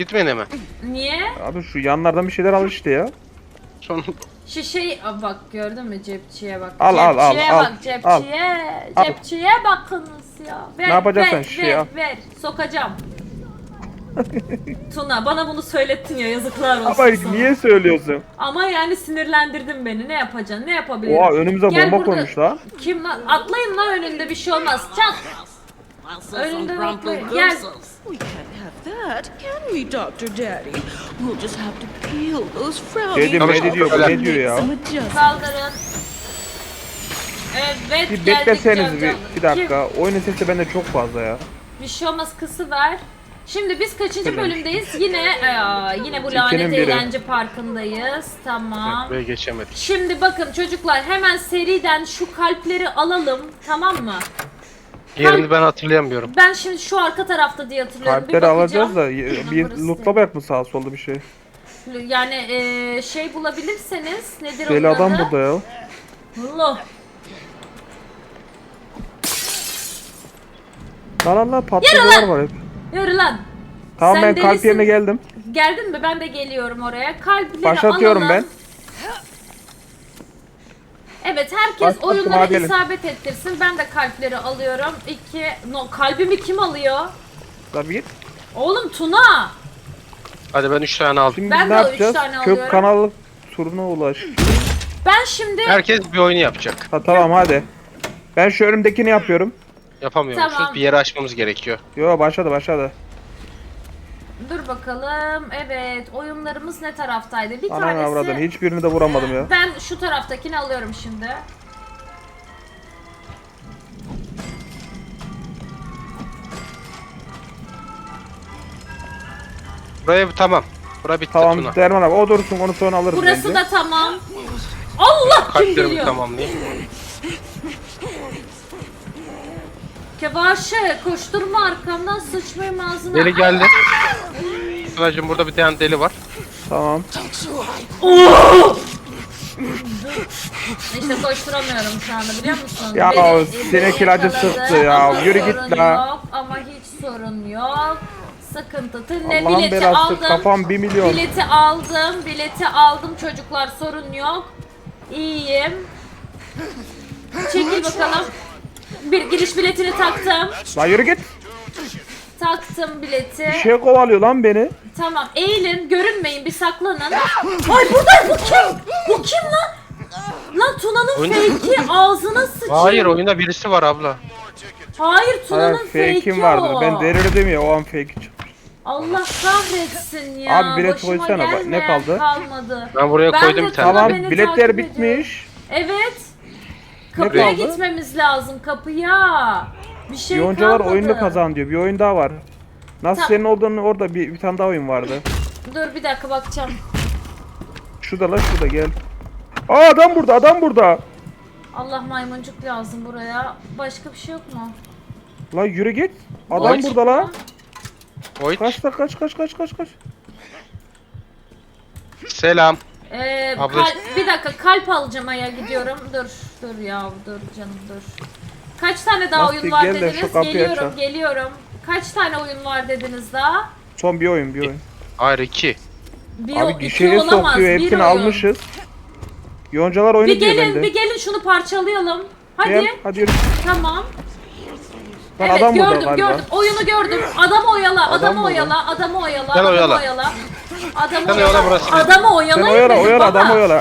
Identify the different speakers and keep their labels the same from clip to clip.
Speaker 1: Bitmedi mi?
Speaker 2: Niye?
Speaker 3: Abi şu yanlardan bir şeyler al işte ya.
Speaker 1: Son
Speaker 2: Aa, bak gördün mü cepçiye bak.
Speaker 3: Al, al, al,
Speaker 2: Cepçiye
Speaker 3: al,
Speaker 2: bak cepçiye.
Speaker 3: al.
Speaker 2: Cepçiye bakınız ya. Ver,
Speaker 3: Ne yapacaksan
Speaker 2: ver,
Speaker 3: şişeyi al.
Speaker 2: ver. Sokacağım. Tuna bana bunu söylettin ya, yazıklar olsun
Speaker 3: Ama
Speaker 2: sana.
Speaker 3: niye söylüyorsun?
Speaker 2: Ama yani sinirlendirdin beni. Ne yapacaksın? Ne yapabilirim?
Speaker 3: Oha önümüze
Speaker 2: Gel
Speaker 3: bomba
Speaker 2: burada.
Speaker 3: koymuş lan.
Speaker 2: Kim lan? Atlayın lan, önünde bir şey olmaz. Çat. Önünde atlayın. Gel.
Speaker 4: We can't have that, can we, Dr. Daddy? We'll just have to peel those frowny
Speaker 3: Dedim
Speaker 1: Tabii,
Speaker 3: ne diyor bu
Speaker 1: öyle.
Speaker 3: ne diyor ya?
Speaker 4: some adjustments.
Speaker 2: Kaldırın. Evet,
Speaker 3: Bir
Speaker 2: geldik
Speaker 3: bekleseniz
Speaker 2: Can
Speaker 3: bir
Speaker 2: Can.
Speaker 3: dakika. Oyunun sesi bende çok fazla ya.
Speaker 2: Bir şey olmaz, kısı ver. Şimdi biz kaçıncı
Speaker 3: Tamam.
Speaker 2: bölümdeyiz? Yine bu
Speaker 3: İkinin
Speaker 2: lanet
Speaker 3: biri.
Speaker 2: eğlence parkındayız. Tamam.
Speaker 1: buraya geçemedik.
Speaker 2: Şimdi bakın çocuklar, hemen seriden şu kalpleri alalım, tamam mı?
Speaker 1: Yerini ben hatırlayamıyorum.
Speaker 2: Ben şimdi şu arka tarafta diye hatırlıyorum.
Speaker 3: Kalpleri
Speaker 2: bir
Speaker 3: alacağız da
Speaker 2: bakacağım.
Speaker 3: bir
Speaker 2: Numarası
Speaker 3: lootlamayak mı sağa solda bir şey?
Speaker 2: Yani şey bulabilirseniz nedir
Speaker 3: Deli
Speaker 2: onun
Speaker 3: adam
Speaker 2: adı?
Speaker 3: burada ya.
Speaker 2: Allah.
Speaker 3: La patlıcılar var hep.
Speaker 2: Yürü lan.
Speaker 3: Tamam
Speaker 2: Sen
Speaker 3: ben kalp
Speaker 2: delisin.
Speaker 3: yerine geldim.
Speaker 2: Geldin mi? Ben de geliyorum oraya. Kalpleri
Speaker 3: Başlatıyorum
Speaker 2: alalım.
Speaker 3: ben.
Speaker 2: Evet, herkes
Speaker 3: Başlattım,
Speaker 2: oyunlara
Speaker 3: hadi gelin.
Speaker 2: isabet ettirsin. Ben de kalpleri alıyorum. Kalbimi kim alıyor?
Speaker 3: La bir git.
Speaker 2: Oğlum Tuna.
Speaker 1: Hadi ben 3 tane aldım.
Speaker 3: Şimdi
Speaker 2: Ben
Speaker 3: ne
Speaker 2: de
Speaker 3: yapacağız?
Speaker 2: 3 tane alıyorum.
Speaker 3: Kök kanalı turuna ulaş.
Speaker 2: Ben şimdi
Speaker 1: Herkes bir oyunu yapacak.
Speaker 3: Ha tamam hadi. Ben şu önümdekini yapıyorum.
Speaker 1: Yapamıyormuşuz.
Speaker 2: Tamam.
Speaker 1: Bir yere açmamız gerekiyor.
Speaker 3: Yo başladı.
Speaker 2: dur bakalım. Evet, oyunlarımız ne taraftaydı? Bir
Speaker 3: Ananı
Speaker 2: tanesi.
Speaker 3: avradını hiçbirini de vuramadım ya.
Speaker 2: Ben şu taraftakini alıyorum şimdi.
Speaker 1: Buraya tamam. Bura bitti
Speaker 3: Tamam
Speaker 1: Tuna.
Speaker 3: Derman abi o dursun onu sonra alırız
Speaker 2: Burası
Speaker 3: bence.
Speaker 2: da tamam. Allah, kim
Speaker 1: Kalplerimi
Speaker 2: geliyor?
Speaker 1: tamamlayayım.
Speaker 2: Kevaşe, koşturma arkamdan, sıçmayayım ağzına.
Speaker 1: Deli geldi. Tunacığım burada bir tane deli var.
Speaker 3: Tamam.
Speaker 2: İşte koşturamıyorum şu anda, biliyor musun?
Speaker 3: Ya sinek ilacı
Speaker 2: yakaladı
Speaker 3: sıktı ya.
Speaker 2: ama
Speaker 3: Yürü git
Speaker 2: sorun
Speaker 3: la.
Speaker 2: Yok, ama hiç sorun yok. Sıkıntı ne,
Speaker 3: Allah'ın
Speaker 2: bileti
Speaker 3: belası,
Speaker 2: aldım.
Speaker 3: kafam 1 milyon.
Speaker 2: Bileti aldım çocuklar, sorun yok. İyiyim. Çekil bakalım. Bir giriş biletini taktım.
Speaker 3: La yürü git.
Speaker 2: Taktım bileti.
Speaker 3: Bir şey kovalıyor lan beni.
Speaker 2: Tamam, eğilin, görünmeyin, bir saklanın. Ay burada, bu kim? Bu kim lan? Lan Tuna'nın
Speaker 1: Oyunda-
Speaker 2: fake'i, ağzına sıçayım.
Speaker 1: Hayır oyunda birisi var abla.
Speaker 2: Hayır, Tuna'nın
Speaker 3: Hayır
Speaker 2: fake'i
Speaker 3: fake'im
Speaker 2: o.
Speaker 3: vardır. Ben delirdim ya o an fake için.
Speaker 2: Allah kahretsin ya.
Speaker 3: Abi bilet
Speaker 2: Başıma
Speaker 3: koysana, bak, ne
Speaker 2: gelmeyen
Speaker 3: kaldı?
Speaker 2: kalmadı.
Speaker 1: Ben buraya
Speaker 2: Ben
Speaker 1: koydum
Speaker 2: de
Speaker 1: bir tane.
Speaker 3: Tamam
Speaker 2: beni
Speaker 3: biletler
Speaker 2: takip
Speaker 3: bitmiş.
Speaker 2: Evet. Kapıya
Speaker 3: kaldı?
Speaker 2: gitmemiz lazım, kapıya. Bir şey
Speaker 3: Yoncalar
Speaker 2: kalmadı.
Speaker 3: oyunda kazan diyor. Bir oyun daha var. Nasıl
Speaker 2: Ta-
Speaker 3: senin olduğunu orada bir tane daha oyun vardı.
Speaker 2: Dur bir dakika, bakacağım.
Speaker 3: Şurada gel. Aa adam burada.
Speaker 2: Allah, maymuncuk lazım buraya. Başka bir şey yok mu?
Speaker 3: La yürü git. Adam
Speaker 2: Boş.
Speaker 3: burada la.
Speaker 1: Oy.
Speaker 3: Kaç.
Speaker 1: Selam. Abla-
Speaker 2: Bir dakika, kalp alacağım, aya gidiyorum. Dur ya, dur canım, dur. Kaç tane daha
Speaker 3: Nasıl,
Speaker 2: oyun var
Speaker 3: gel de
Speaker 2: dediniz?
Speaker 3: şu kapıyı açalım.
Speaker 2: Geliyorum. Kaç tane oyun var dediniz daha?
Speaker 3: Son bir oyun.
Speaker 1: Hayır 2.
Speaker 3: Abi
Speaker 2: iki
Speaker 3: gişeye
Speaker 2: olamaz,
Speaker 3: sokuyor
Speaker 2: bir
Speaker 3: hepsini
Speaker 2: oyun.
Speaker 3: almışız. Yoncalar oyunu
Speaker 2: Bir
Speaker 3: diyor
Speaker 2: gelin,
Speaker 3: bende.
Speaker 2: bir gelin şunu parçalayalım. Hadi.
Speaker 3: Gel hadi yürü.
Speaker 2: Tamam.
Speaker 3: Lan
Speaker 2: Evet,
Speaker 3: adam burada
Speaker 2: gördüm,
Speaker 3: galiba.
Speaker 2: Oyunu gördüm. Adamı oyala, adamı
Speaker 3: burada.
Speaker 2: oyala, adamı oyala,
Speaker 1: Sen
Speaker 2: adamı
Speaker 1: oyala.
Speaker 2: oyala. Adamı
Speaker 1: Sen
Speaker 2: oyala.
Speaker 1: oyala, burası benim.
Speaker 2: Adamı oyalayın
Speaker 3: Sen oyala
Speaker 2: dedim
Speaker 3: oyala
Speaker 2: baba.
Speaker 3: adam oyala.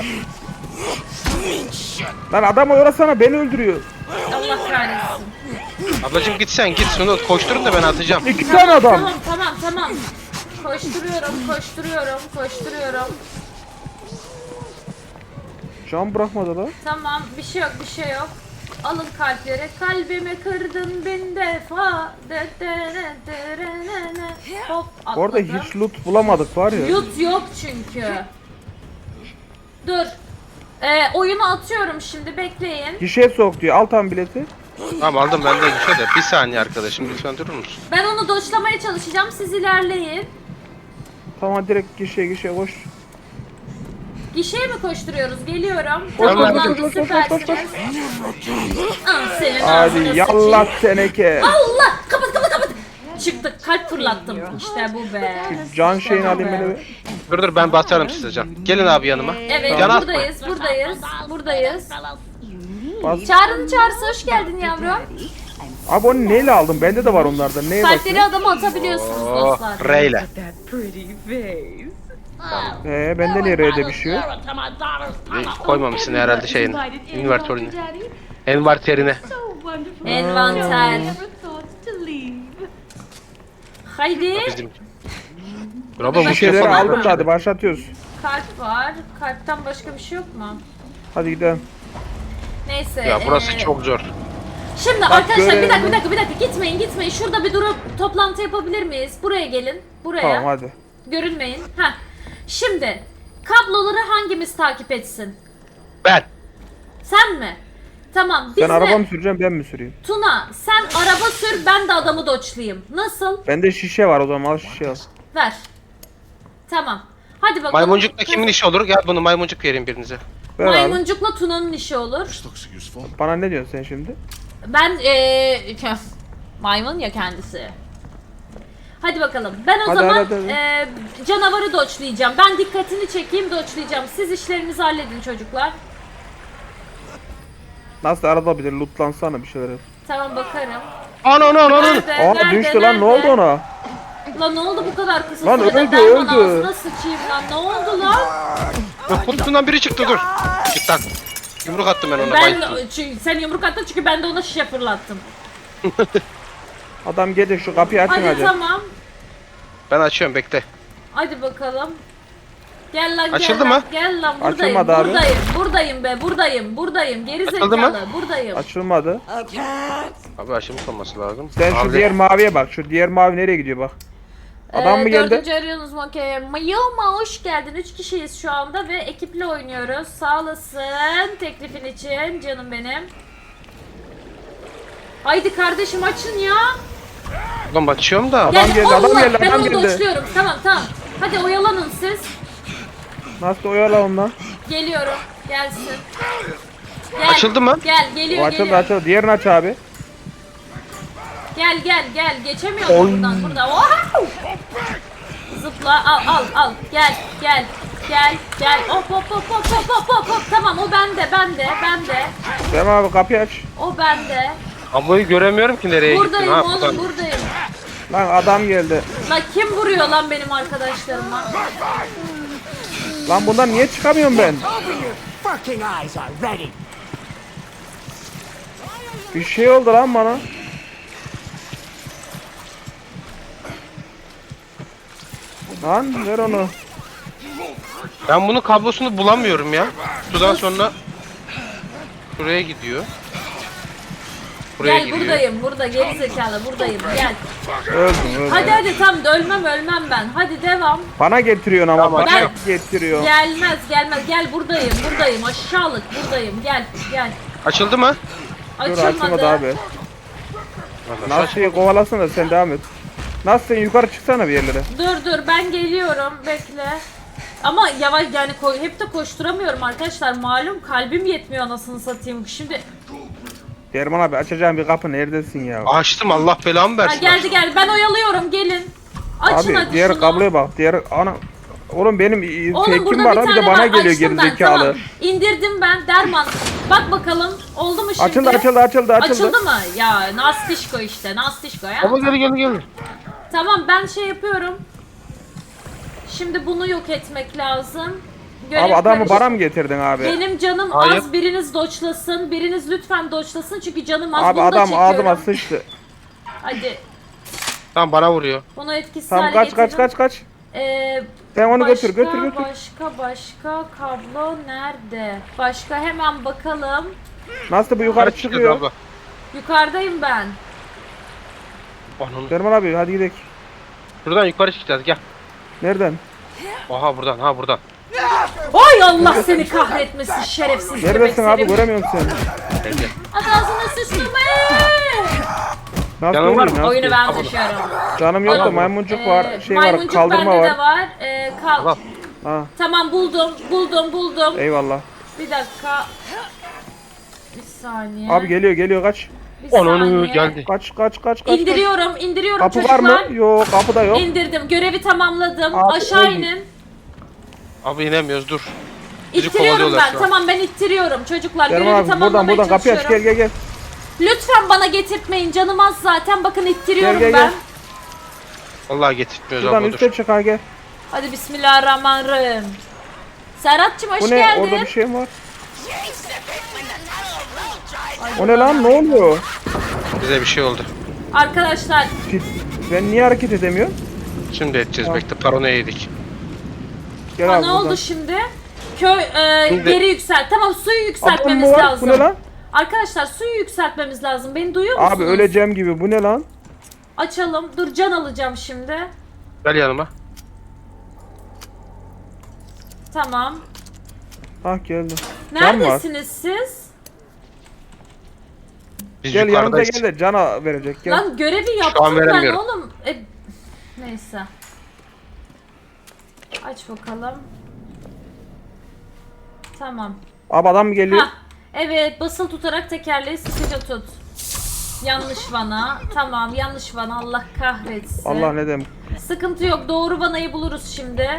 Speaker 3: Lan adam oyalasana beni öldürüyor.
Speaker 2: Allah kahretsin.
Speaker 1: Ablacığım git sen git şunu koşturun da ben atacağım.
Speaker 3: 2 tane adam.
Speaker 2: Tamam. Koşturuyorum.
Speaker 3: Can bırakmadı la.
Speaker 2: Tamam, bir şey yok. Alın kalpleri. Kalbimi kırdın bin defa. Hop, atladım.
Speaker 3: Orada hiç loot bulamadık var ya.
Speaker 2: Yut yok çünkü. Dur. Oyunu atıyorum şimdi, bekleyin.
Speaker 3: Gişeye sok diyor. Al tam bileti.
Speaker 1: Tamam aldım ben de şöyle. Bir saniye arkadaşım lütfen durur musun?
Speaker 2: Ben onu doşlamaya çalışacağım, siz ilerleyin.
Speaker 3: Tamam direkt gişeye koş.
Speaker 2: Gişeye mi koşturuyoruz? Geliyorum.
Speaker 3: Koş,
Speaker 2: Tamam,
Speaker 3: koş,
Speaker 2: lan,
Speaker 3: koş, koş, koş,
Speaker 2: süpersiniz.
Speaker 3: koş.
Speaker 2: Senin
Speaker 3: Hadi
Speaker 2: ağzına
Speaker 3: yallah
Speaker 2: sıçayım.
Speaker 3: teneke.
Speaker 2: Allah! Kapat! Çıktık, kalp fırlattım. İşte bu be.
Speaker 3: Can şeyini alayım beni bir.
Speaker 1: Dur ben basarım size can. Gelin abi yanıma.
Speaker 2: Evet,
Speaker 1: Can
Speaker 2: buradayız, buradayız, buradayız.
Speaker 3: Bas.
Speaker 2: Çağrı'nın çağrısı, hoş geldin yavrum.
Speaker 3: Abi onu neyle aldım? Bende de var onlardan. Neye
Speaker 2: Kalpleri
Speaker 3: basıyorsun?
Speaker 2: adama atabiliyorsunuz dostlar.
Speaker 1: Reyle.
Speaker 4: That pretty face.
Speaker 3: Bende niye R'de bir şey yok?
Speaker 1: Koymamışsın herhalde şeyin. Invertörüne. Envarterine.
Speaker 4: So wonderful.
Speaker 2: Envanter.
Speaker 4: Never thought to leave.
Speaker 2: Haydi.
Speaker 1: Bizim. Bravo
Speaker 3: Bir
Speaker 1: bu
Speaker 3: şeyleri
Speaker 1: şey
Speaker 3: aldım da hadi başlatıyoruz.
Speaker 2: Kalp var. Kalpten başka bir şey yok mu?
Speaker 3: Hadi gidelim.
Speaker 2: Neyse.
Speaker 1: Ya burası çok zor.
Speaker 2: Şimdi arkadaşlar
Speaker 3: görelim.
Speaker 2: bir dakika gitmeyin. Şurada bir durup toplantı yapabilir miyiz? Buraya gelin. Buraya.
Speaker 3: Tamam hadi.
Speaker 2: Görünmeyin. Heh. Şimdi kabloları hangimiz takip etsin?
Speaker 1: Ben.
Speaker 2: Sen mi? Tamam. Biz
Speaker 3: Sen
Speaker 2: de
Speaker 3: araba mı süreceksin ben mi süreyim?
Speaker 2: Tuna sen araba sür, ben de adamı doçlayayım. Nasıl?
Speaker 3: Bende şişe var o zaman al şişe al.
Speaker 2: Ver. Tamam. Hadi bakalım.
Speaker 1: Maymuncukla kimin işi olur? Gel bunu maymuncuk vereyim birinize.
Speaker 3: Ver abi.
Speaker 2: Maymuncukla Tuna'nın işi olur.
Speaker 3: Bana ne diyorsun sen şimdi?
Speaker 2: Ben maymun ya kendisi. Hadi bakalım. Ben o
Speaker 3: Hadi,
Speaker 2: zaman
Speaker 3: hadi.
Speaker 2: canavarı doçlayacağım. Ben dikkatini çekeyim, doçlayacağım. Siz işlerinizi halledin çocuklar.
Speaker 3: Nasıl arada bir lootlansana bir şeyler.
Speaker 2: Tamam bakarım.
Speaker 1: Ana.
Speaker 2: Nerede?
Speaker 3: Aa
Speaker 2: Nerede?
Speaker 3: düştü lan ne oldu ona?
Speaker 2: Lan ne oldu bu kadar kısa
Speaker 3: Lan
Speaker 2: sürede?
Speaker 3: öldü,
Speaker 2: Derman
Speaker 3: öldü.
Speaker 2: ağzına sıçayım lan. Ne oldu lan?
Speaker 1: Kutusundan biri çıktı dur. Git lan. Yumruk attım ben ona.
Speaker 2: Ben
Speaker 1: bayılttım.
Speaker 2: çünkü sen yumruk attın çünkü ben de ona şişe fırlattım.
Speaker 3: Adam gelecek şu kapıyı açın
Speaker 2: Hadi
Speaker 3: hadi.
Speaker 2: tamam.
Speaker 1: Ben açıyorum bekle.
Speaker 2: Hadi bakalım. Gel lan
Speaker 1: Açıldı
Speaker 2: gel
Speaker 1: mı?
Speaker 2: lan. Gel lan buradayım.
Speaker 3: Açılmadı abi.
Speaker 2: Buradayım be buradayım. Geri
Speaker 1: Açıldı mı?
Speaker 2: zekalı buradayım.
Speaker 3: Açılmadı.
Speaker 1: Abi açılmış olması lazım.
Speaker 3: Sen şu
Speaker 1: Abi,
Speaker 3: diğer maviye bak. Şu diğer mavi nereye gidiyor bak. Adam mı geldi?
Speaker 2: Dördüncü arıyorsunuz mu? Okey. Mayoma hoş geldin. 3 kişiyiz şu anda ve ekiple oynuyoruz. Sağ olasın teklifin için canım benim. Haydi kardeşim açın ya.
Speaker 1: Ulan açıyorum da.
Speaker 3: Adam geldi,
Speaker 2: Allah,
Speaker 3: adam geldi,
Speaker 2: ben
Speaker 3: adam
Speaker 2: onu
Speaker 3: geldi.
Speaker 2: doçluyorum. Tamam. Hadi oyalanın siz.
Speaker 3: Nasıl oyala ondan?
Speaker 2: Geliyorum. Gelsin. Gel.
Speaker 1: Açıldı mı?
Speaker 2: Gel
Speaker 3: O
Speaker 2: geliyor
Speaker 3: açıldı
Speaker 2: geliyor.
Speaker 3: açıldı. Diğerini aç abi.
Speaker 2: Gel. Geçemiyorum buradan. Wow! Zıpla al. Gel. Hop. Tamam o bende.
Speaker 3: Tamam abi kapıyı aç.
Speaker 2: O bende.
Speaker 1: Ablayı göremiyorum ki nereye gittin.
Speaker 2: Buradayım
Speaker 1: Ha,
Speaker 2: oğlum
Speaker 1: buradan.
Speaker 2: buradayım.
Speaker 3: Lan adam geldi.
Speaker 2: Lan kim vuruyor lan benim arkadaşlarıma?
Speaker 3: Lan bundan niye çıkamıyorum ben?
Speaker 5: Fucking eyes already.
Speaker 3: Bir şey oldu lan bana. Lan ver onu.
Speaker 1: Ben bunun kablosunu bulamıyorum ya. Sudan sonra şuraya gidiyor. Buraya
Speaker 2: Gel
Speaker 1: gidiyor.
Speaker 2: burada geri zekalı buradayım gel.
Speaker 3: Öldüm.
Speaker 2: Hadi tam da ölmem ben. Hadi devam.
Speaker 3: Bana getiriyorsun ama
Speaker 1: Tamam,
Speaker 3: bana
Speaker 1: açıyorum.
Speaker 3: getiriyor.
Speaker 2: Gelmez. Gel buradayım. Aşağılık buradayım. Gel.
Speaker 1: Açıldı mı?
Speaker 3: Dur açılmadı abi.
Speaker 1: Nasıl
Speaker 3: Nasıl kovalasana sen devam et. Nasıl sen yukarı çıksana bir yerlere.
Speaker 2: Dur ben geliyorum. Bekle. Ama yavaş yani hep de koşturamıyorum arkadaşlar. Malum kalbim yetmiyor anasını satayım. Şimdi
Speaker 3: Derman abi açacağım bir kapı neredesin ya?
Speaker 1: Açtım Allah belamı versin.
Speaker 2: geldi ben oyalıyorum gelin. Açın
Speaker 3: Abi
Speaker 2: hadi
Speaker 3: diğer
Speaker 2: şunu.
Speaker 3: kabloya bak. Diğer ana oğlum benim
Speaker 2: Oğlum
Speaker 3: tekim
Speaker 2: burada
Speaker 3: var
Speaker 2: bir
Speaker 3: ha bir
Speaker 2: tane
Speaker 3: de bana
Speaker 2: var.
Speaker 3: geliyor
Speaker 2: Açtım ben
Speaker 3: gerizekalı.
Speaker 2: tamam. İndirdim ben derman. Bak bakalım oldu mu şimdi?
Speaker 3: Açıldı.
Speaker 2: Açıldı mı? Ya Nastişko işte Nastişko ya.
Speaker 1: Baba gel.
Speaker 2: Tamam ben şey yapıyorum. Şimdi bunu yok etmek lazım. Görev
Speaker 3: Abi adamı
Speaker 2: karış-
Speaker 3: bana mı getirdin abi?
Speaker 2: Benim canım
Speaker 1: Hayır.
Speaker 2: az, biriniz doçlasın. Biriniz lütfen doçlasın çünkü canım az.
Speaker 3: Abi
Speaker 2: Bunu da
Speaker 3: adam
Speaker 2: çekiyorum.
Speaker 3: ağzıma sıçtı.
Speaker 2: Hadi
Speaker 1: Tamam bana vuruyor.
Speaker 2: bunu etkisiz
Speaker 3: Tamam
Speaker 2: hale
Speaker 3: kaç.
Speaker 2: getirdim.
Speaker 3: Sen onu
Speaker 2: Başka,
Speaker 3: götür.
Speaker 2: Başka kablo nerede? Başka hemen bakalım.
Speaker 3: Nasıl bu yukarı çıkıyor?
Speaker 1: Abla.
Speaker 2: Yukarıdayım ben.
Speaker 1: Onun.
Speaker 3: Derman abi hadi gidelim.
Speaker 1: Buradan yukarı çıkacağız gel.
Speaker 3: Nereden?
Speaker 1: Aha buradan.
Speaker 2: Oy Allah seni kahretmesin şerefsiz
Speaker 3: Neredesin abi
Speaker 2: seni.
Speaker 3: göremiyorum seni.
Speaker 1: Geldi.
Speaker 2: Hadi ağzına sıçtım
Speaker 3: Nasıl
Speaker 1: Canım var
Speaker 3: oynayayım,
Speaker 1: mı?
Speaker 3: nasıl?
Speaker 2: Oyunu ben taşıyorum.
Speaker 3: Canım yok da
Speaker 1: Tamam.
Speaker 3: maymuncuk var, şey var,
Speaker 2: Maymuncuk
Speaker 3: kaldırma
Speaker 2: bende
Speaker 3: var.
Speaker 2: de var.
Speaker 1: Al.
Speaker 3: Ha,
Speaker 2: Tamam buldum.
Speaker 3: eyvallah.
Speaker 2: Bir dakika. Bir saniye.
Speaker 3: Abi geliyor kaç.
Speaker 2: Bir
Speaker 1: Onu
Speaker 2: saniye.
Speaker 1: geldi.
Speaker 3: Kaç.
Speaker 2: İndiriyorum
Speaker 3: Kapı
Speaker 2: çocuklar.
Speaker 3: var mı? Yok, kapı da yok.
Speaker 2: İndirdim. Görevi tamamladım.
Speaker 3: Abi,
Speaker 2: Aşağı
Speaker 3: öldüm.
Speaker 2: inin.
Speaker 1: Abi inemiyoruz dur. Bizi
Speaker 2: İttiriyorum
Speaker 1: kovalıyorlar
Speaker 2: ben.
Speaker 1: şu an.
Speaker 2: Tamam ben ittiriyorum çocuklar.
Speaker 3: Derman
Speaker 2: Görevi
Speaker 3: abi
Speaker 2: tamamlamaya
Speaker 3: buradan kapıyı aç,
Speaker 2: çalışıyorum.
Speaker 3: gel.
Speaker 2: Lütfen bana getirtmeyin. Canım az zaten. Bakın ittiriyorum
Speaker 3: Gel.
Speaker 2: ben.
Speaker 1: Vallahi getirtmiyoruz
Speaker 3: Buradan
Speaker 1: abla
Speaker 3: üste
Speaker 1: dur.
Speaker 3: çık ha, gel.
Speaker 2: Hadi bismillahirrahmanirrahim. Serhat'cığım hoş
Speaker 3: Bu ne?
Speaker 2: geldin.
Speaker 3: Orada bir şey mi var? O ne lan? Ne oluyor?
Speaker 1: Bize bir şey oldu.
Speaker 2: Arkadaşlar
Speaker 3: Ben niye hareket edemiyorum?
Speaker 1: Şimdi edeceğiz bekle. Paranoya yedik.
Speaker 3: Gel
Speaker 2: ha,
Speaker 3: abi
Speaker 2: ne
Speaker 3: buradan.
Speaker 2: oldu şimdi? Köy
Speaker 1: Şimdi-
Speaker 2: geri yükselt. Tamam suyu
Speaker 3: Abi
Speaker 2: yükseltmemiz
Speaker 3: bu var.
Speaker 2: lazım.
Speaker 3: Bu ne lan?
Speaker 2: Arkadaşlar suyu yükseltmemiz lazım. Beni duyuyor musunuz?
Speaker 3: Abi öleceğim gibi. Bu ne lan?
Speaker 2: Açalım. Dur can alacağım şimdi.
Speaker 1: Gel yanıma.
Speaker 2: Tamam.
Speaker 3: Ah geldim. Can mı var?
Speaker 2: Neredesiniz siz?
Speaker 1: Biz
Speaker 3: Gel yanımıza
Speaker 1: yukarıdayız.
Speaker 3: gel de cana verecek. Gel.
Speaker 2: Lan görevi
Speaker 1: an
Speaker 2: yaptım ben
Speaker 1: veremiyorum.
Speaker 2: oğlum. Neyse. Aç bakalım. Tamam.
Speaker 3: Abi adam mı geliyor?
Speaker 2: Hah. Evet basılı tutarak tekerleği sıkıca tut. Yanlış vana. Tamam yanlış vana. Allah kahretsin.
Speaker 3: Allah ne demek.
Speaker 2: Sıkıntı yok. Doğru vanayı buluruz şimdi.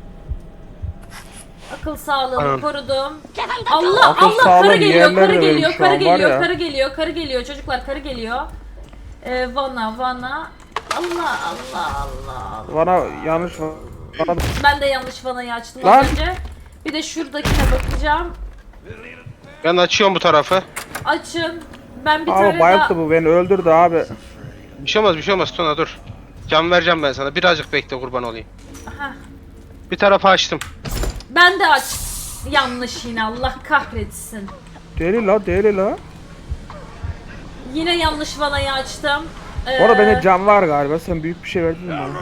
Speaker 2: Akıl sağlığını
Speaker 1: Tamam.
Speaker 2: korudum. Allah
Speaker 3: Akıl
Speaker 2: Allah
Speaker 3: sağlığım
Speaker 2: karı geliyor,
Speaker 3: yerlerde
Speaker 2: karı
Speaker 3: benim
Speaker 2: geliyor,
Speaker 3: şu
Speaker 2: karı
Speaker 3: an var
Speaker 2: geliyor,
Speaker 3: ya.
Speaker 2: karı geliyor, karı geliyor. Çocuklar karı geliyor. Vana. Allah.
Speaker 3: Bana yanlış var. Bana...
Speaker 2: Ben de yanlış vanayı açtım
Speaker 3: Lan.
Speaker 2: az önce. Bir de şuradakine bakacağım.
Speaker 1: Ben açıyorum bu tarafı.
Speaker 2: Açın. Ben bir
Speaker 3: Abi
Speaker 2: tane
Speaker 3: bayılttı
Speaker 2: daha...
Speaker 3: bu beni öldürdü abi.
Speaker 1: Bir şey olmaz Tuna dur. Can vereceğim ben sana. Birazcık bekle kurban olayım.
Speaker 2: Heh.
Speaker 1: Bir tarafı açtım.
Speaker 2: Ben de aç. Yanlış yine Allah kahretsin.
Speaker 3: Deli la.
Speaker 2: Yine yanlış vanayı açtım.
Speaker 3: Bu arada bende can var galiba. Sen büyük bir şey verdin mi bana?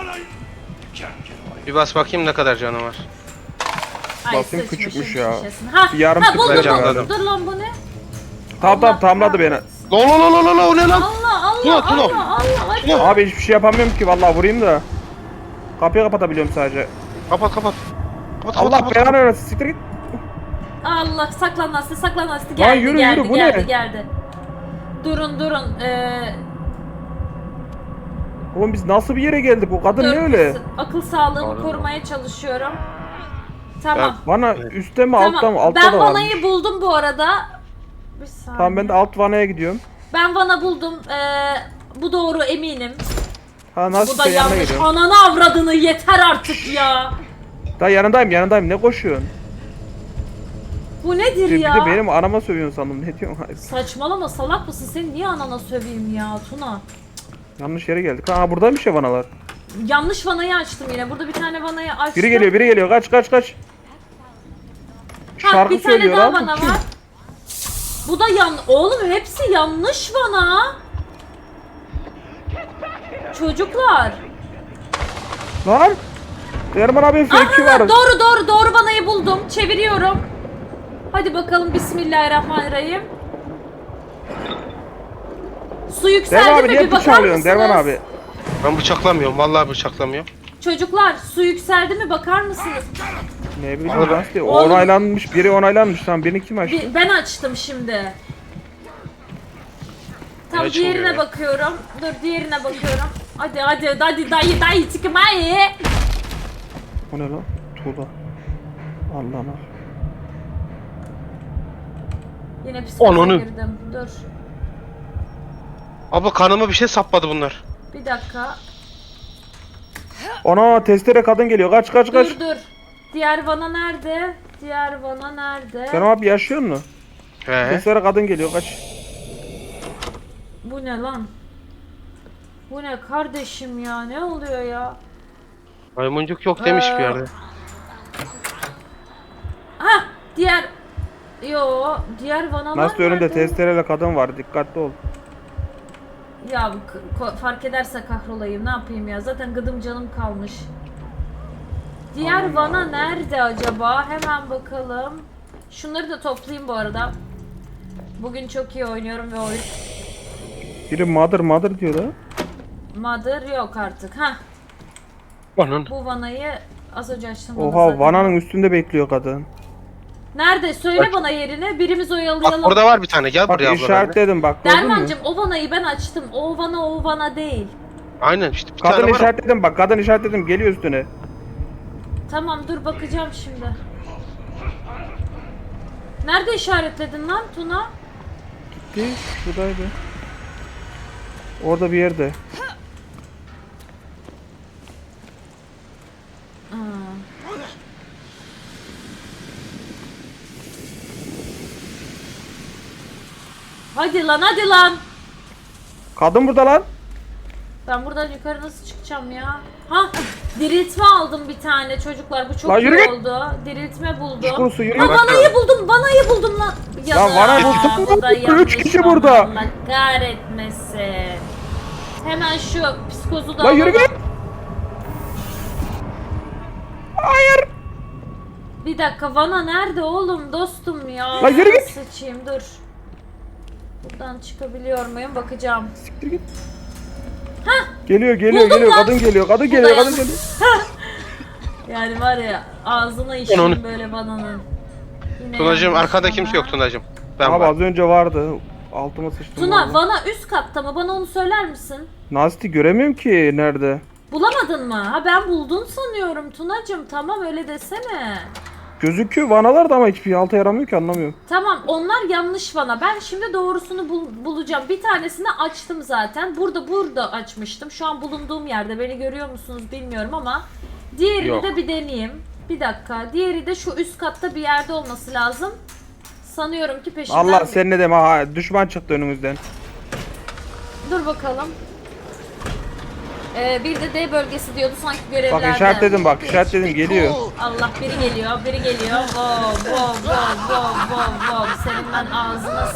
Speaker 1: Bir bas bakayım ne kadar canı var.
Speaker 2: Ay,
Speaker 3: Bakayım
Speaker 2: sıçmışım
Speaker 3: küçükmüş ya.
Speaker 2: şişesine. Ha,
Speaker 3: Bir yarım
Speaker 2: ha
Speaker 3: tık
Speaker 2: buldum
Speaker 1: bence
Speaker 2: buldum.
Speaker 1: anladım.
Speaker 2: Dur lan bu ne?
Speaker 3: Tamam tamamladı beni.
Speaker 1: La o ne lan?
Speaker 2: Allah. Hadi.
Speaker 3: Abi hiçbir şey yapamıyorum ki vallahi vurayım da. Kapıyı kapatabiliyorum sadece.
Speaker 1: Kapat.
Speaker 3: Allah belanı versin, siktir git.
Speaker 2: Allah saklan Aslı
Speaker 3: Lan
Speaker 2: geldi
Speaker 3: yürü,
Speaker 2: geldi
Speaker 3: yürü, bu
Speaker 2: geldi
Speaker 3: ne?
Speaker 2: geldi. Durun.
Speaker 3: Oğlum biz nasıl bir yere geldik? O kadın
Speaker 2: Dur,
Speaker 3: ne öyle?
Speaker 2: akıl sağlığımı
Speaker 1: Pardon.
Speaker 2: korumaya çalışıyorum. Tamam.
Speaker 3: Bana üstte mi altta mı?
Speaker 2: Tamam.
Speaker 3: Altta
Speaker 2: Ben
Speaker 3: da var.
Speaker 2: vanayı buldum bu arada. Bir saniye.
Speaker 3: Tamam ben de alt vanaya gidiyorum.
Speaker 2: Ben vana buldum. Bu doğru eminim.
Speaker 3: Ha
Speaker 2: Bu
Speaker 3: nasıl
Speaker 2: da
Speaker 3: sen yanına
Speaker 2: yanlış.
Speaker 3: gidiyorum.
Speaker 2: Ananı avradını yeter artık ya.
Speaker 3: Daha yanındayım ne koşuyorsun?
Speaker 2: Bu nedir
Speaker 3: Bir
Speaker 2: ya?
Speaker 3: de benim anama sövüyorsun sandım, ne diyorsun? Hayır.
Speaker 2: Saçmalama salak mısın? Seni niye anana söveyim ya Tuna?
Speaker 3: Yanlış yere geldik. Ha buradaymış ya vanalar.
Speaker 2: Yanlış vanayı açtım yine. Burada bir tane vanayı açtım.
Speaker 3: Biri geliyor kaç.
Speaker 2: Ha,
Speaker 3: Şarkı
Speaker 2: bir tane
Speaker 3: söylüyor
Speaker 2: daha
Speaker 3: abi.
Speaker 2: vana var. Bu da Oğlum hepsi yanlış vana. Çocuklar.
Speaker 3: Lan! Derman abi fake'i
Speaker 2: Aha,
Speaker 3: var.
Speaker 2: doğru vanayı buldum. Çeviriyorum. Hadi bakalım bismillahirrahmanirrahim. Su
Speaker 3: Derman
Speaker 2: yükseldi
Speaker 3: abi
Speaker 2: mi
Speaker 3: niye
Speaker 2: bir bakar
Speaker 3: bıçaklıyorsun
Speaker 2: mısınız?
Speaker 3: Derman abi?
Speaker 1: Ben bıçaklamıyorum. Vallahi bıçaklamıyorum.
Speaker 2: Çocuklar su yükseldi mi bakar mısınız?
Speaker 3: Ne bileyim ben işte
Speaker 2: Oğlum.
Speaker 3: onaylanmış, biri onaylanmış. Tamam birini kim açtı?
Speaker 2: Ben açtım şimdi. Tam
Speaker 1: Ne açılıyor
Speaker 2: diğerine
Speaker 1: ya?
Speaker 2: bakıyorum. Dur diğerine bakıyorum. Hadi dayı çıkmayı.
Speaker 3: O ne lan? Tuğla. Allah'ım.
Speaker 2: Yine psikoloğa
Speaker 1: Ananı.
Speaker 2: girdim. Dur.
Speaker 1: Abla kanıma bir şey sapladı bunlar.
Speaker 2: Bir dakika.
Speaker 3: Ana testere kadın geliyor. Kaç.
Speaker 2: Dur. Diğer vana nerede?
Speaker 3: Derman abi yaşıyor mu?
Speaker 1: He.
Speaker 3: Testere kadın geliyor. Kaç.
Speaker 2: Bu ne lan? Bu ne kardeşim ya? Ne oluyor ya?
Speaker 1: Maymuncuk yok demiş bir yerde.
Speaker 2: Ha, diğer vanalar
Speaker 3: Nasıl önünde
Speaker 2: nerede?
Speaker 3: testereyle kadın var. Dikkatli ol.
Speaker 2: Ya fark ederse kahrolayım. Ne yapayım ya? Zaten gıdım canım kalmış. Diğer vana nerede acaba? Hemen bakalım. Şunları da toplayayım bu arada. Bugün çok iyi oynuyorum ve oyun.
Speaker 3: Biri mother diyor da.
Speaker 2: Mother yok artık. Ha,
Speaker 1: Onun.
Speaker 2: bu vanayı az önce açtım. vana
Speaker 3: Oha
Speaker 2: zaten.
Speaker 3: vananın üstünde bekliyor kadın.
Speaker 2: Nerede? Söyle
Speaker 1: Bak.
Speaker 2: bana yerini. Birimiz
Speaker 1: Bak
Speaker 2: oyalayalım.
Speaker 1: orada var bir tane. Gel
Speaker 3: Bak
Speaker 1: buraya abla. benimle.
Speaker 3: işaretledim bak gördün mü?
Speaker 2: Dermancığım o vanayı ben açtım. O vana değil.
Speaker 1: Aynen işte bir
Speaker 3: Kadın
Speaker 1: tane var.
Speaker 3: işaretledim bak kadın işaretledim geliyor üstüne.
Speaker 2: Tamam dur bakacağım şimdi. Nerede işaretledin lan Tuna?
Speaker 3: Gitti şuradaydı. Orada bir yerde.
Speaker 2: Aa. Hadi lan hadi lan.
Speaker 3: Kadın burada lan.
Speaker 2: Ben buradan yukarı nasıl çıkacağım ya? Ha, diriltme aldım bir tane çocuklar. Bu çok
Speaker 3: Lan yürü
Speaker 2: iyi
Speaker 3: git.
Speaker 2: oldu. Diriltme buldum.
Speaker 3: Çukurusu yürü
Speaker 2: Ha,
Speaker 3: git.
Speaker 2: vanayı buldum. Vanayı buldum lan. Ya
Speaker 3: Lan vana
Speaker 2: bu
Speaker 3: buldum.
Speaker 2: da
Speaker 3: Üç
Speaker 2: yanlış
Speaker 3: kişi
Speaker 2: vana.
Speaker 3: burada.
Speaker 2: Allah kahretmesin. Hemen şu psikozu da
Speaker 3: Lan yürü
Speaker 2: alalım.
Speaker 3: git. Hayır.
Speaker 2: Bir dakika vana nerede oğlum dostum ya?
Speaker 3: Lan yürü git.
Speaker 2: Sıçayım dur. Buradan çıkabiliyor muyum bakacağım.
Speaker 3: Siktir git. Geliyor geliyor
Speaker 2: Buldum
Speaker 3: geliyor
Speaker 2: lan.
Speaker 3: kadın geliyor kadın
Speaker 2: Bu
Speaker 3: geliyor
Speaker 2: da
Speaker 3: kadın
Speaker 2: yanlış.
Speaker 3: geliyor.
Speaker 2: Yani var ya ağzına işim
Speaker 1: Onu-
Speaker 2: böyle vananın. Yine
Speaker 1: Tunacığım
Speaker 2: yanlış
Speaker 1: arkada
Speaker 2: vana.
Speaker 1: kimse yok Tunacığım. Ben
Speaker 3: Abi
Speaker 1: var.
Speaker 3: az önce vardı. Altıma sıçtım.
Speaker 2: Tuna
Speaker 3: vallahi.
Speaker 2: vana üst katta mı? Bana onu söyler misin?
Speaker 3: Nasti göremiyorum ki nerede.
Speaker 2: Bulamadın mı? Ha ben buldun sanıyorum Tunacığım. Tamam öyle desene.
Speaker 3: Gözüküyor vanalar da ama hiçbir alta yaramıyor ki anlamıyorum.
Speaker 2: Tamam onlar yanlış vana. Ben şimdi doğrusunu bulacağım. Bir tanesini açtım zaten. Burada açmıştım. Şu an bulunduğum yerde. Beni görüyor musunuz bilmiyorum ama. Diğerini
Speaker 1: Yok.
Speaker 2: de bir deneyeyim. Bir dakika. Diğeri de şu üst katta bir yerde olması lazım. Sanıyorum ki peşinden...
Speaker 3: Allah sen ne deme ha düşman çıktı önümüzden.
Speaker 2: Dur bakalım. Bir de D bölgesi diyordu sanki görevlerde.
Speaker 3: Bak işaretledim bak işaretledim geliyor.
Speaker 2: Allah biri geliyor. Wow. Senin ben ağzına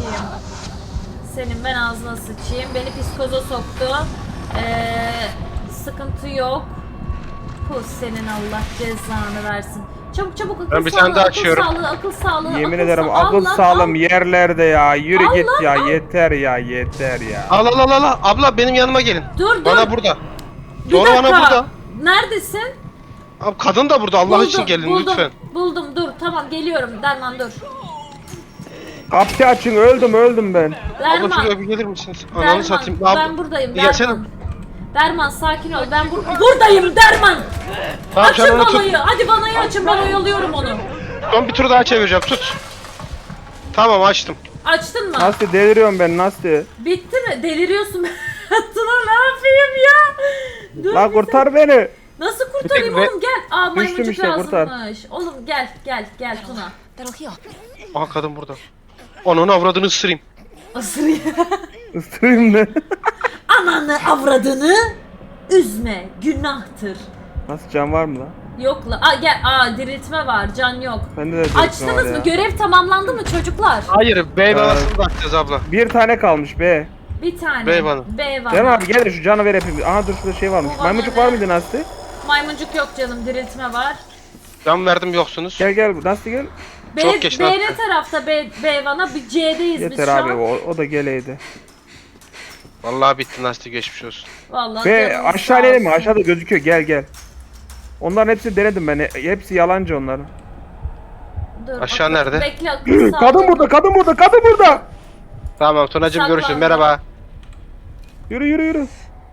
Speaker 2: sıçayım. Beni psikoza soktu. Sıkıntı yok. Pus senin Allah cezanı versin. Çabuk akıl
Speaker 1: Ben bir tane daha açıyorum.
Speaker 2: Akıl sağlığı.
Speaker 3: Yemin ederim akıl
Speaker 2: lan,
Speaker 3: sağlam yerlerde ya. Yürü
Speaker 2: Al
Speaker 3: git
Speaker 2: lan,
Speaker 3: ya
Speaker 2: al.
Speaker 3: yeter ya yeter ya.
Speaker 1: Al. Abla benim yanıma gelin.
Speaker 2: Dur.
Speaker 1: Bana burada.
Speaker 2: Bir
Speaker 1: Doğru
Speaker 2: dakika.
Speaker 1: bana burada.
Speaker 2: Neredesin?
Speaker 1: Abi kadın da burada Allah için gelin lütfen.
Speaker 2: Buldum dur tamam geliyorum Derman dur.
Speaker 3: Kapıyı açın öldüm ben.
Speaker 1: Abla
Speaker 2: Derman,
Speaker 1: şuraya bir gelir misiniz? Ananı
Speaker 2: Derman
Speaker 1: satayım.
Speaker 2: ben buradayım
Speaker 1: Bir gelsene.
Speaker 2: Derman. Derman sakin ol ben buradayım Derman.
Speaker 1: Tamam sen
Speaker 2: Açın
Speaker 1: onu tut.
Speaker 2: vanayı hadi vanayı açın ben oyalıyorum onu.
Speaker 1: Son bir tur daha çevireceğim tut. Tamam açtım.
Speaker 2: Açtın mı?
Speaker 3: Nasıl deliriyorum ben nasıl?
Speaker 2: Bitti mi? Deliriyorsun. Tuna ne yapayım ya? Dur
Speaker 3: Lan
Speaker 2: bir
Speaker 3: kurtar beni.
Speaker 2: Nasıl kurtarayım
Speaker 1: Ve-
Speaker 2: oğlum gel. Aa maymuncuk
Speaker 3: işte, kurtar.
Speaker 2: lazımmış. Oğlum gel Tuna.
Speaker 1: Aha kadın burada. Onun avradını ısırayım.
Speaker 2: Isırıyor.
Speaker 3: Isırayım ne?
Speaker 2: Ananı avradını üzme günahtır.
Speaker 3: Nasıl can var mı lan?
Speaker 2: Yok la. Gel. Diriltme var. Can yok.
Speaker 3: Bende de delirtme var
Speaker 2: Açtınız mı?
Speaker 3: ya.
Speaker 2: Görev tamamlandı mı çocuklar?
Speaker 1: Hayır bey babasını bakacağız abla.
Speaker 3: Bir tane kalmış be.
Speaker 2: Bir tane.
Speaker 1: Beyvanı.
Speaker 3: Gel abi gel şu canı ver hepimiz. Aha dur şurada şey varmış.
Speaker 2: Bu
Speaker 3: Maymuncuk
Speaker 2: bana
Speaker 3: var
Speaker 2: ne?
Speaker 3: mıydı Nasti?
Speaker 2: Maymuncuk yok canım. Diriltme var.
Speaker 1: Ben verdim yoksunuz.
Speaker 3: Gel Nasti gel.
Speaker 1: Çok geç
Speaker 2: B
Speaker 1: lan.
Speaker 2: ne tarafta? B vana. Bir C'deyiz biz
Speaker 3: Yeter
Speaker 2: şu
Speaker 3: abi
Speaker 2: an.
Speaker 3: o da geleydi.
Speaker 1: Vallahi bitti nasıl geçmiş olsun.
Speaker 2: Vallahi
Speaker 3: Ve
Speaker 2: canınız
Speaker 3: aşağı
Speaker 2: sağ
Speaker 3: inelim mi?
Speaker 2: olsun.
Speaker 3: Aşağıda gözüküyor gel. Onların hepsini denedim ben. Hepsi yalancı onların.
Speaker 2: Dur,
Speaker 1: Aşağı nerede?
Speaker 2: Bekle akıl sağlığı.
Speaker 3: Kadın burada.
Speaker 1: Tamam Tunacığım
Speaker 2: Saklandı.
Speaker 1: görüşürüz merhaba.
Speaker 3: Yürü.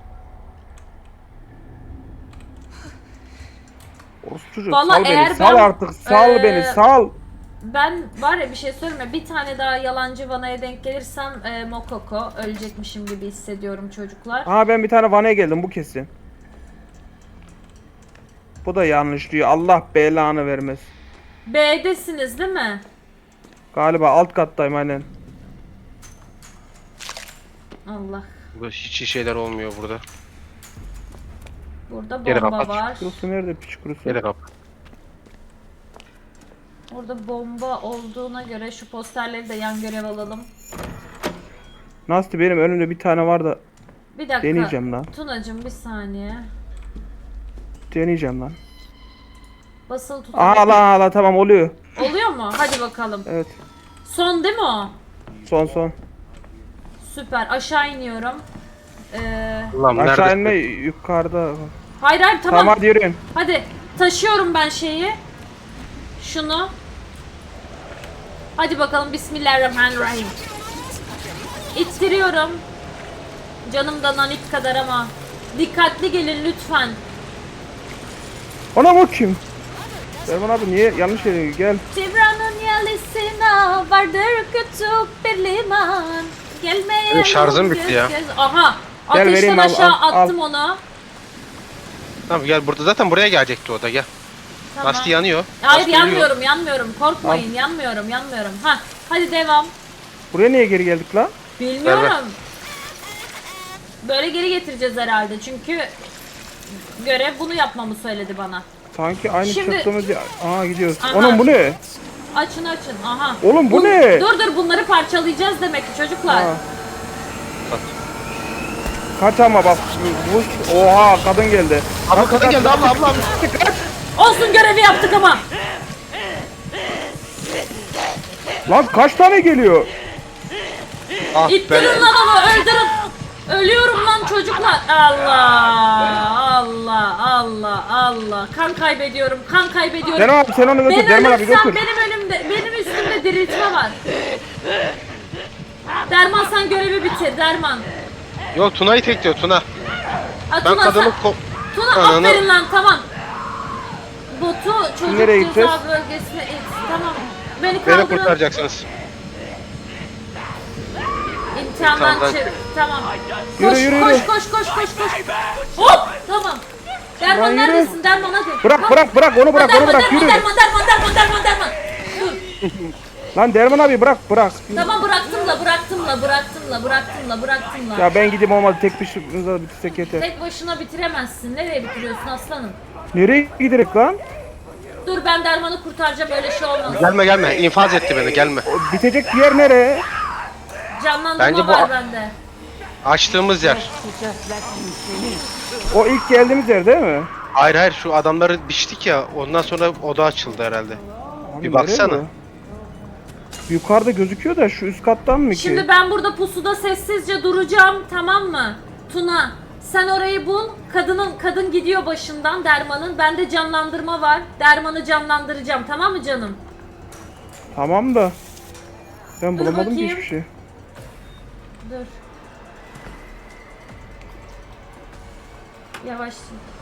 Speaker 3: Orospu çocuğu
Speaker 2: Vallahi
Speaker 3: sal beni
Speaker 2: eğer
Speaker 3: sal
Speaker 2: ben,
Speaker 3: artık sal beni sal.
Speaker 2: Ben var ya bir şey söyleme. Bir tane daha yalancı vanaya denk gelirsem Mokoko ölecekmişim gibi hissediyorum çocuklar.
Speaker 3: Aha ben bir tane vanaya geldim bu kesin. Bu da yanlış diyor. Allah belanı vermez.
Speaker 2: B'desiniz değil mi?
Speaker 3: Galiba alt kattayım aynen.
Speaker 2: Allah.
Speaker 1: Bu hiç iyi şeyler olmuyor burada.
Speaker 2: Burada
Speaker 1: Geri
Speaker 2: bomba
Speaker 1: kapat.
Speaker 2: var.
Speaker 3: Kurusu nerede piç kurusu?
Speaker 1: Gel kap.
Speaker 2: Burada bomba olduğuna göre şu posterleri de yan görev alalım.
Speaker 3: Nasti benim önümde bir tane var da
Speaker 2: Bir dakika.
Speaker 3: deneyeceğim lan.
Speaker 2: Tunacığım bir saniye.
Speaker 3: Deneyeceğim lan.
Speaker 2: Basılı tut.
Speaker 3: Aa tamam oluyor.
Speaker 2: Oluyor mu? Hadi bakalım.
Speaker 3: Evet.
Speaker 2: Son değil mi o?
Speaker 3: Son.
Speaker 2: Süper. Aşağı iniyorum.
Speaker 1: Ulan
Speaker 3: Aşağı
Speaker 1: neredesin?
Speaker 3: inme yukarıda.
Speaker 2: Hayır tamam.
Speaker 3: Tamam hadi yürüyün.
Speaker 2: Hadi taşıyorum ben şeyi. Şunu. Hadi bakalım, bismillahirrahmanirrahim. İttiriyorum. Canım da nanik kadar ama. Dikkatli gelin lütfen.
Speaker 3: Ona bak kim? Derman abi niye yanlış yere gel.
Speaker 2: Tiran'ın yalısına vardır küçük bir liman. Gelmeyelim.
Speaker 1: Benim şarjım bitti ya.
Speaker 2: Aha.
Speaker 3: Gel
Speaker 2: Ateşten
Speaker 3: vereyim, al,
Speaker 2: aşağı
Speaker 3: al, al.
Speaker 2: attım onu.
Speaker 1: Tamam gel, burada zaten buraya gelecekti o da, gel.
Speaker 2: Tamam.
Speaker 1: Lastiği yanıyor.
Speaker 2: Hayır,
Speaker 1: Lastiği yanıyor.
Speaker 2: yanmıyorum. Korkmayın, yanmıyorum. Ha, hadi devam.
Speaker 3: Buraya niye geri geldik lan?
Speaker 2: Bilmiyorum.
Speaker 1: Ver.
Speaker 2: Böyle geri getireceğiz herhalde çünkü görev bunu yapmamı söyledi bana.
Speaker 3: Sanki aynı
Speaker 2: Şimdi-
Speaker 3: çıktığımız yer. Aha gidiyoruz.
Speaker 2: Aha.
Speaker 3: Onun bu ne?
Speaker 2: Açın. Aha.
Speaker 3: Oğlum bu ne?
Speaker 2: Dur bunları parçalayacağız demek ki çocuklar.
Speaker 3: Ha. Kaç ama bak. Oha kadın geldi.
Speaker 1: Abla kadın geldi, abla.
Speaker 2: Olsun, görevi yaptık ama.
Speaker 3: Lan kaç tane geliyor?
Speaker 1: Ah
Speaker 2: İttirin
Speaker 1: ben.
Speaker 2: lan onu, öldürün. Ölüyorum lan çocuklar. Allah. Kan kaybediyorum.
Speaker 3: Derman abi sen onu götür.
Speaker 2: Ben
Speaker 3: Derman abi
Speaker 2: ölürsem
Speaker 3: götür.
Speaker 2: benim üstümde diriltme var. Derman sen görevi bitir Derman.
Speaker 1: Yok, Tuna'yı tekliyor, Tuna.
Speaker 2: Ha,
Speaker 1: Ben
Speaker 2: Tuna,
Speaker 1: kadını
Speaker 2: Tuna
Speaker 1: Ananı-
Speaker 2: aferin lan, tamam. Botu çocuk
Speaker 3: Nereye
Speaker 2: ceza
Speaker 3: gideceğiz?
Speaker 2: bölgesine it. Tamam. Beni
Speaker 1: Beni
Speaker 2: kaldırın.
Speaker 1: kurtaracaksınız.
Speaker 2: İmtihandan
Speaker 1: İmtihandan
Speaker 2: çık. Tamam.
Speaker 3: Yürü.
Speaker 2: Koş. Hop! Tamam. Derman
Speaker 3: Lan yürü.
Speaker 2: neredesin? Derman hadi.
Speaker 3: Bırak onu bırak yürü.
Speaker 2: Derman. Dur.
Speaker 3: Lan Derman abi bırak.
Speaker 2: Tamam, bıraktım la.
Speaker 3: Ya ben gideyim olmadı tek bir şıkkınıza bitirsek yeter.
Speaker 2: Tek başına bitiremezsin. Nereye bitiriyorsun aslanım?
Speaker 3: Nereye giderek lan?
Speaker 2: Dur, ben Derman'ı kurtaracağım, öyle şey olmaz.
Speaker 1: Gelme, infaz etti beni, gelme.
Speaker 3: Bitecek bir yer nereye?
Speaker 2: Canlandırma
Speaker 1: Bence bu-
Speaker 2: var bende.
Speaker 1: Açtığımız yer.
Speaker 3: O ilk geldiğimiz yer değil mi?
Speaker 1: Hayır, şu adamları biçtik ya, ondan sonra oda açıldı herhalde.
Speaker 3: Abi
Speaker 1: Bir
Speaker 3: nereye
Speaker 1: baksana.
Speaker 3: bu? Yukarıda gözüküyor da şu üst kattan mı ki?
Speaker 2: Şimdi ben burada pusuda sessizce duracağım, tamam mı? Tuna, sen orayı bul. Kadın gidiyor başından, Derman'ın. Bende canlandırma var. Derman'ı canlandıracağım, tamam mı canım?
Speaker 3: Tamam da. Ben
Speaker 2: Dur
Speaker 3: bulamadım ki
Speaker 2: bakayım.
Speaker 3: hiçbir şey.
Speaker 2: Dur. Yavaş.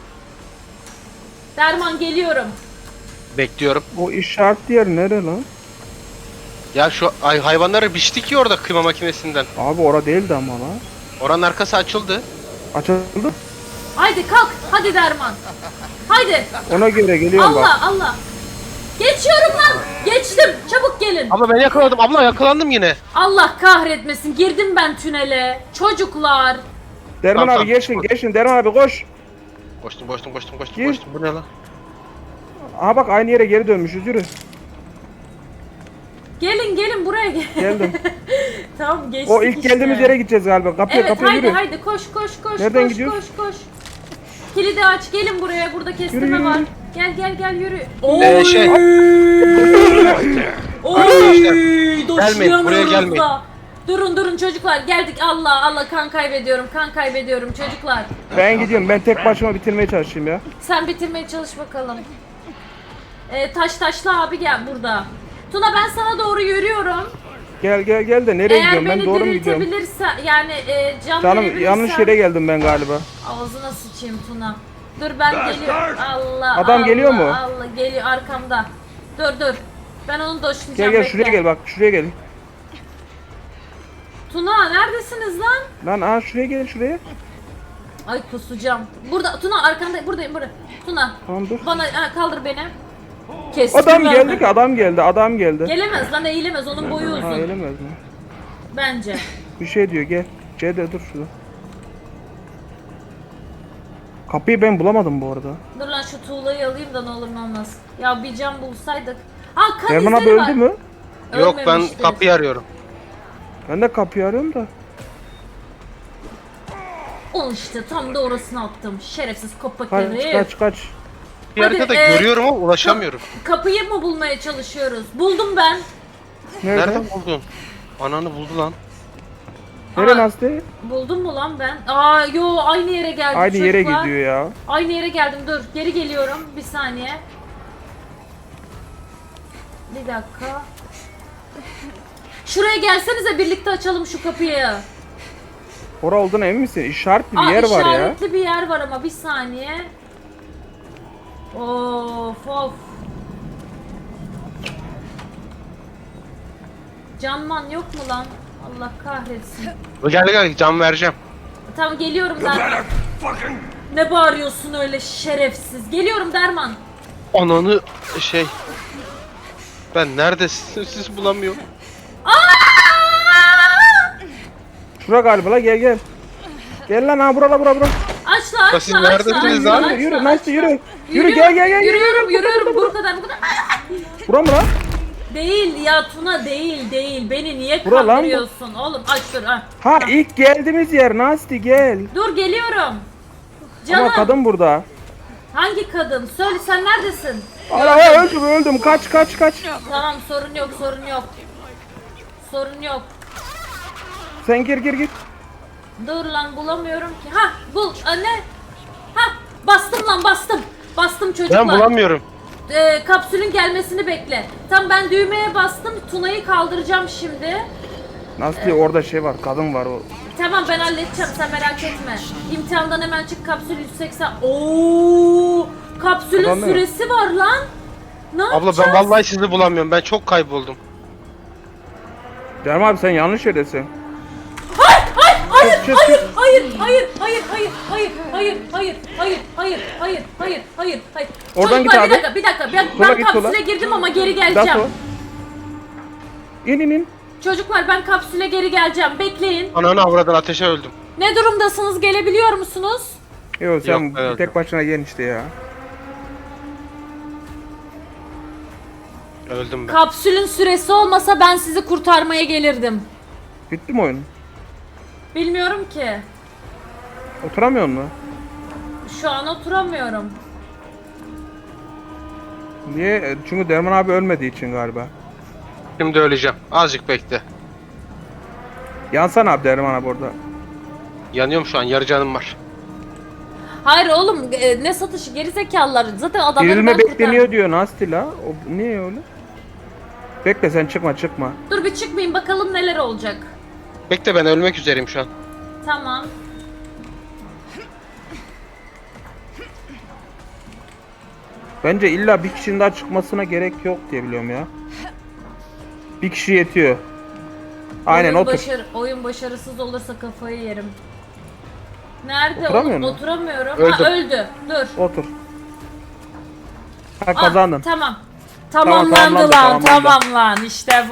Speaker 2: Derman, geliyorum.
Speaker 1: Bekliyorum.
Speaker 3: O işaretli yer nere lan?
Speaker 1: Ya şu hayvanları biçtik ya orada kıyma makinesinden.
Speaker 3: Abi ora değildi ama lan.
Speaker 1: Oranın arkası açıldı.
Speaker 3: Açıldı.
Speaker 2: Haydi kalk, hadi Derman. Haydi.
Speaker 3: Ona göre geliyorum bak.
Speaker 2: Allah. Geçiyorum lan. Geçtim. Çabuk gelin.
Speaker 1: Abla ben yakaladım. Abla yakalandım yine.
Speaker 2: Allah kahretmesin. Girdim ben tünele. Çocuklar.
Speaker 3: Derman
Speaker 1: Tamam,
Speaker 3: abi geçin. Derman abi koş.
Speaker 1: Koştum.
Speaker 3: Gir.
Speaker 1: Bu ne lan?
Speaker 3: Aha bak aynı yere geri dönmüşüz yürü.
Speaker 2: Gelin buraya gel.
Speaker 3: Geldim.
Speaker 2: Tamam, geçtik
Speaker 3: O ilk
Speaker 2: işte.
Speaker 3: geldiğimiz yere gideceğiz galiba. Kapıya
Speaker 2: Evet,
Speaker 3: yürü.
Speaker 2: haydi koş.
Speaker 3: Nereden
Speaker 2: koş,
Speaker 3: gidiyoruz?
Speaker 2: Koş. Kilidi aç, gelin buraya. Burada kestirme
Speaker 3: Yürü.
Speaker 2: var. Gel yürü.
Speaker 1: Şey.
Speaker 2: Oy,
Speaker 1: Gelmeyin, buraya gelmeyin.
Speaker 2: Durun çocuklar, geldik. Allah, kan kaybediyorum çocuklar.
Speaker 3: Ben gidiyorum. Ben tek başıma bitirmeye çalışayım ya.
Speaker 2: Sen bitirmeye çalış bakalım. Taşlı abi gel burada. Tuna, ben sana doğru yürüyorum.
Speaker 3: Gel de nereye
Speaker 2: Eğer
Speaker 3: gidiyorum? Ben
Speaker 2: beni
Speaker 3: doğru mu gidiyorum?
Speaker 2: diriltebilirse, yani can
Speaker 3: Canım
Speaker 2: verebilirsen-
Speaker 3: yanlış yere geldim ben galiba.
Speaker 2: Ağzına sıçayım Tuna. Dur, ben geliyorum.
Speaker 3: Adam geliyor mu?
Speaker 2: Allah, geliyor arkamda. Dur. Ben onu doşlayacağım.
Speaker 3: Gel şuraya gel bak. Şuraya gel.
Speaker 2: Tuna, neredesiniz lan?
Speaker 3: Lan aha şuraya gelin şuraya.
Speaker 2: Ay, kusacağım. Burada Tuna, arkanda, buradayım. Tuna.
Speaker 3: Tamam dur.
Speaker 2: Bana kaldır beni. Kestim
Speaker 3: Adam
Speaker 2: ben.
Speaker 3: geldi ki adam geldi.
Speaker 2: Gelemez lan, eğilemez, onun boyu uzun.
Speaker 3: Ha gelemez mi?
Speaker 2: Bence.
Speaker 3: Bir şey diyor gel. C'de dur şurada. Kapıyı ben bulamadım bu arada.
Speaker 2: Dur lan, şu tuğlayı alayım da ne olur ne olmaz. Ya bir cam bulsaydık. Kan
Speaker 3: Derman abi
Speaker 2: izleri var.
Speaker 3: öldü mü?
Speaker 1: Yok, ben
Speaker 2: Ölmemiştir.
Speaker 1: kapıyı arıyorum.
Speaker 3: Ben de kapıyı arıyorum da.
Speaker 2: İşte tam da orasını attım. Şerefsiz kopak herif.
Speaker 3: Kaç.
Speaker 1: Bir
Speaker 2: Hadi,
Speaker 1: haritada görüyorum ama ulaşamıyorum.
Speaker 2: Kapıyı mı bulmaya çalışıyoruz? Buldum ben.
Speaker 3: Nerede?
Speaker 1: Nereden buldun? Ananı buldu lan.
Speaker 3: Nereye
Speaker 2: Aa,
Speaker 3: Nasti?
Speaker 2: Buldum mu lan ben? Yo, aynı yere geldim
Speaker 3: Aynı
Speaker 2: çocuklar.
Speaker 3: yere gidiyor ya.
Speaker 2: Aynı yere geldim, dur. Geri geliyorum. Bir saniye. Bir dakika. Şuraya gelsenize birlikte açalım şu kapıyı.
Speaker 3: Ora olduğuna emin misin? İşaretli bir yer var ya.
Speaker 2: İşaretli bir yer var ama bir saniye. Of of. Canman yok mu lan? Allah kahretsin.
Speaker 1: Gel can vereceğim.
Speaker 2: Tamam geliyorum Derman. Ne bağırıyorsun öyle şerefsiz? Geliyorum Derman.
Speaker 1: Ananı şey. Ben neredesin? Siz bulamıyorum.
Speaker 3: Şura galiba la, gel gel. Gel lan ha, bura.
Speaker 2: Açla
Speaker 1: Siz
Speaker 2: açla
Speaker 1: neredesiniz lan?
Speaker 3: Yürü Nasty yürü. Yürü gel.
Speaker 2: Yürüyorum bu kadar.
Speaker 3: Bura mı lan?
Speaker 2: Değil ya Tuna değil. Beni niye
Speaker 3: Bura lan bu.
Speaker 2: kandırıyorsun oğlum? Aç dur.
Speaker 3: Ha ilk geldiğimiz yer Nasty, gel.
Speaker 2: Dur geliyorum. Canım.
Speaker 3: Ama kadın burada.
Speaker 2: Hangi kadın? Söyle sen neredesin?
Speaker 3: Ara öldüm. Kaç.
Speaker 2: Tamam sorun yok.
Speaker 3: Sen gir.
Speaker 2: Dur lan bulamıyorum ki. Ha bul anne. Ha bastım. Bastım çocuklar.
Speaker 1: Ben bulamıyorum.
Speaker 2: Kapsülün gelmesini bekle. Tam ben düğmeye bastım. Tuna'yı kaldıracağım şimdi.
Speaker 3: Nasty orada şey var, kadın var o.
Speaker 2: Tamam ben halledeceğim sen merak etme. İmtihandan hemen çık kapsül 180. Oo! Kapsülün
Speaker 3: Adam ne?
Speaker 2: süresi var lan. Ne
Speaker 1: Abla
Speaker 2: yapacağız?
Speaker 1: ben vallahi sizi bulamıyorum. Ben çok kayboldum.
Speaker 3: Canım abi sen yanlış yerdesin.
Speaker 2: Hayır.
Speaker 3: Oradan git
Speaker 2: Çocuklar,
Speaker 3: abi.
Speaker 2: Bir dakika. Ben
Speaker 3: Sola git,
Speaker 2: kapsüle
Speaker 3: sola.
Speaker 2: girdim ama geri
Speaker 3: Dato.
Speaker 2: geleceğim.
Speaker 3: İn.
Speaker 2: Çocuklar ben kapsüle geri geleceğim. Bekleyin.
Speaker 1: Ananı avradan ateşe öldüm.
Speaker 2: Ne durumdasınız? Gelebiliyor musunuz?
Speaker 3: Yok sen
Speaker 1: Yok, evet.
Speaker 3: tek başına gel işte ya.
Speaker 1: Öldüm ben.
Speaker 2: Kapsülün süresi olmasa ben sizi kurtarmaya gelirdim.
Speaker 3: Bitti mi oyun?
Speaker 2: Bilmiyorum ki.
Speaker 3: Oturamıyor mu?
Speaker 2: Şu an oturamıyorum.
Speaker 3: Niye? Çünkü Derman abi ölmediği için galiba.
Speaker 1: Şimdi öleceğim. Azıcık bekle.
Speaker 3: Yansan abi Derman abi orada.
Speaker 1: Yanıyorum şu an. Yarı canım var.
Speaker 2: Hayır oğlum ne satışı gerizekalılar. Zaten adamları
Speaker 3: Dirilme
Speaker 2: ben
Speaker 3: bekleniyor diyor Nasty la. O niye öyle? Bekle sen çıkma.
Speaker 2: Dur bir çıkmayayım bakalım neler olacak.
Speaker 1: Bekle ben ölmek üzereyim şu an.
Speaker 2: Tamam.
Speaker 3: Bence illa bir kişinin daha çıkmasına gerek yok diye biliyorum ya. Bir kişi yetiyor. Aynen otur.
Speaker 2: Oyun başarısız olursa kafayı yerim. Nerede
Speaker 3: Oturamıyor
Speaker 2: oğlum?
Speaker 3: mu?
Speaker 2: Oturamıyorum.
Speaker 1: Öldüm.
Speaker 2: Ha öldü. Dur.
Speaker 3: Otur. Ha kazandın.
Speaker 2: Tamam. Tamamlandı
Speaker 3: tamamlandı,
Speaker 2: lan.
Speaker 3: tamamlandı.
Speaker 2: Tamam lan. İşte bu.